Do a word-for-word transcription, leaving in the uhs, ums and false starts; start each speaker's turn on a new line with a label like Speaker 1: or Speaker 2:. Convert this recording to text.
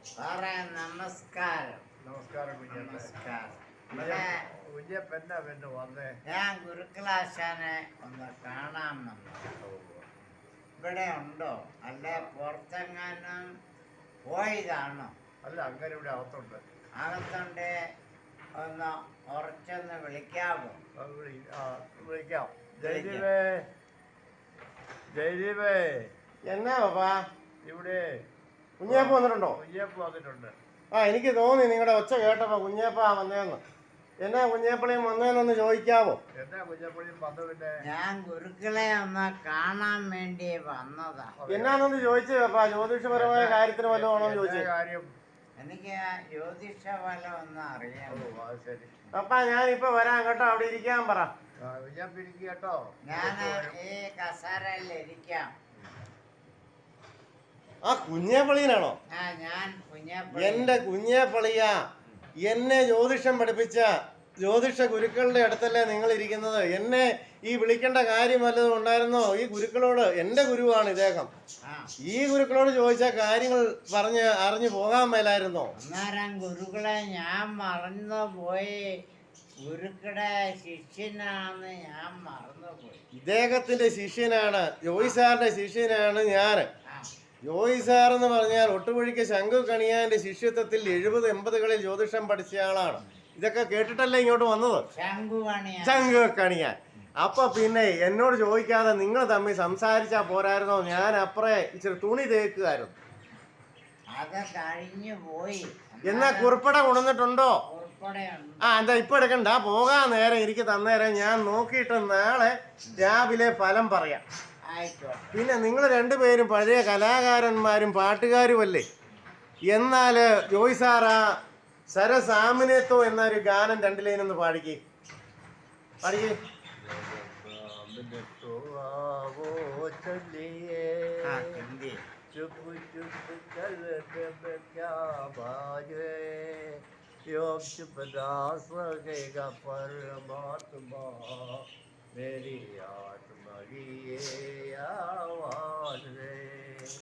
Speaker 1: സാറേ നമസ്കാരം.
Speaker 2: നമസ്കാരം കുഞ്ഞപ്പ.
Speaker 1: നമസ്കാരം. ഇവിടെ
Speaker 2: കുഞ്ഞപ്പ എന്നാ പിന്നെ വന്നേ?
Speaker 1: ഞാൻ ഗുരുക്കളാശാനെ ഒന്ന് കാണാൻ വന്നു. ഇവിടെ ഉണ്ടോ അല്ലെ പുറത്തെങ്ങാനും പോയതാണോ?
Speaker 2: അല്ല, അങ്ങനെ ഇവിടെ അകത്തുണ്ട്.
Speaker 1: അകത്തുണ്ട്. ഒന്ന് ഉറച്ചൊന്ന് വിളിക്കാമോ?
Speaker 2: ആ, വിളി- ആ, വിളിക്കാം. ജയദീപേ, ജയദീപേ,
Speaker 3: എന്നാ പാപ്പാ
Speaker 2: ഇവിടെ
Speaker 3: കുഞ്ഞേപ്പ വന്നിട്ടുണ്ടോ?
Speaker 2: കുഞ്ഞപ്പ വന്നിട്ടുണ്ട്.
Speaker 3: ആ എനിക്ക് തോന്നി നിങ്ങളുടെ ഒച്ച കേട്ടപ്പോ കുഞ്ഞേപ്പ വന്നേന്ന്. എന്നാ കുഞ്ഞേപ്പളയും വന്നേന്നൊന്ന് ചോദിക്കാവോ?
Speaker 2: എന്നാ കുഞ്ഞപ്പളിയും വന്നു പിന്നെ?
Speaker 1: ഞാൻ ഗുരുക്കളെ ഒന്ന് കാണാൻ വേണ്ടി വന്നതാ.
Speaker 3: എന്നാന്നൊന്ന് ചോദിച്ചേ പാപ്പാ. ജ്യോതിഷപരമായ കാര്യത്തിന് വല്ലതും ആണോ
Speaker 2: എന്നാ
Speaker 3: ചോദിച്ചേ?
Speaker 2: കാര്യം?
Speaker 1: എനിക്ക് ആ ജ്യോതിഷ ഫലം ഒന്ന് അറിയാം.
Speaker 2: ഓ, അത് ശരി.
Speaker 3: പപ്പാ ഞാനിപ്പോ വരാൻ കേട്ടോ, അവിടെ ഇരിക്കാൻ പറ.
Speaker 2: ആ, കുഞ്ഞപ്പ ഇരിക്കുക കേട്ടോ.
Speaker 1: ഞാൻ ഈ കസേരയിൽ ഇരിക്കാം.
Speaker 3: ആ കുഞ്ഞേപ്പളിയനാണോ?
Speaker 1: ആ ഞാൻ കുഞ്ഞപ്പ.
Speaker 3: എന്റെ കുഞ്ഞേപ്പളിയ, എന്നെ ജ്യോതിഷം പഠിപ്പിച്ച ജ്യോതിഷ ഗുരുക്കളുടെ അടുത്തല്ലേ നിങ്ങൾ ഇരിക്കുന്നത്? എന്നെ ഈ വിളിക്കേണ്ട കാര്യം വല്ലതും ഉണ്ടായിരുന്നോ? ഈ ഗുരുക്കളോട്, എന്റെ ഗുരുവാണ് ഇദ്ദേഹം,
Speaker 1: ആ
Speaker 3: ഈ ഗുരുക്കളോട് ചോദിച്ച കാര്യങ്ങൾ പറഞ്ഞ് അറിഞ്ഞു പോകാൻ മേലായിരുന്നോ?
Speaker 1: അന്നേരം ഗുരുക്കളെ ഞാൻ മറന്നു പോയി. ഗുരുക്കളുടെ ശിഷ്യനാണെന്ന് ഞാൻ മറന്നുപോയി.
Speaker 3: ഇദ്ദേഹത്തിന്റെ ശിഷ്യനാണ്, ജോയി സാറിന്റെ ശിഷ്യനാണ് ഞാൻ.
Speaker 1: ആ
Speaker 3: ജോയി സാർ എന്ന് പറഞ്ഞാൽ ഒട്ടുപൊഴിക്ക് ശങ്കു കണിയാന്റെ ശിഷ്യത്വത്തിൽ എഴുപത് എൺപതുകളിൽ ജ്യോതിഷം പഠിച്ച ആളാണ്. ഇതൊക്കെ കേട്ടിട്ടല്ലേ ഇങ്ങോട്ട് വന്നത്?
Speaker 1: ശംഖുവാണിയാ.
Speaker 3: ശങ്കു കണിയാൻ. അപ്പൊ പിന്നെ എന്നോട് ചോദിക്കാതെ നിങ്ങൾ തമ്മിൽ സംസാരിച്ചാ പോരായിരുന്നോ? ഞാൻ അപ്പറേ ഇച്ചിരി തുണി തേക്കുമായിരുന്നു.
Speaker 1: അത് കഴിഞ്ഞു പോയി.
Speaker 3: എന്നാ കുറിപ്പട കൊണ്ടുവന്നിട്ടുണ്ടോ?
Speaker 1: ഉൾപ്പെടെയുണ്ട്.
Speaker 3: ആ എന്താ ഇപ്പൊ എടുക്കണ്ട, പോകാൻ നേരം എനിക്ക് തന്നേരം ഞാൻ നോക്കിയിട്ട് നാളെ രാവിലെ ഫലം പറയാം.
Speaker 1: ആയിക്കോട്ടെ.
Speaker 3: പിന്നെ നിങ്ങൾ രണ്ടുപേരും പഴയ കലാകാരന്മാരും പാട്ടുകാരുമല്ലേ. എന്നാൽ ജോയ് സാറാ സരസാമിനേത്തോ എന്നൊരു ഗാനം രണ്ട് ലൈനൊന്ന് പാടിക്കേ പാടിക്കേ
Speaker 1: ആ ഹിന്ദി.
Speaker 2: चुप चुप चल जब क्या बाजे योग चुप दास लगेगा परमात्मा मेरी आत्मा की ये आवाज रे।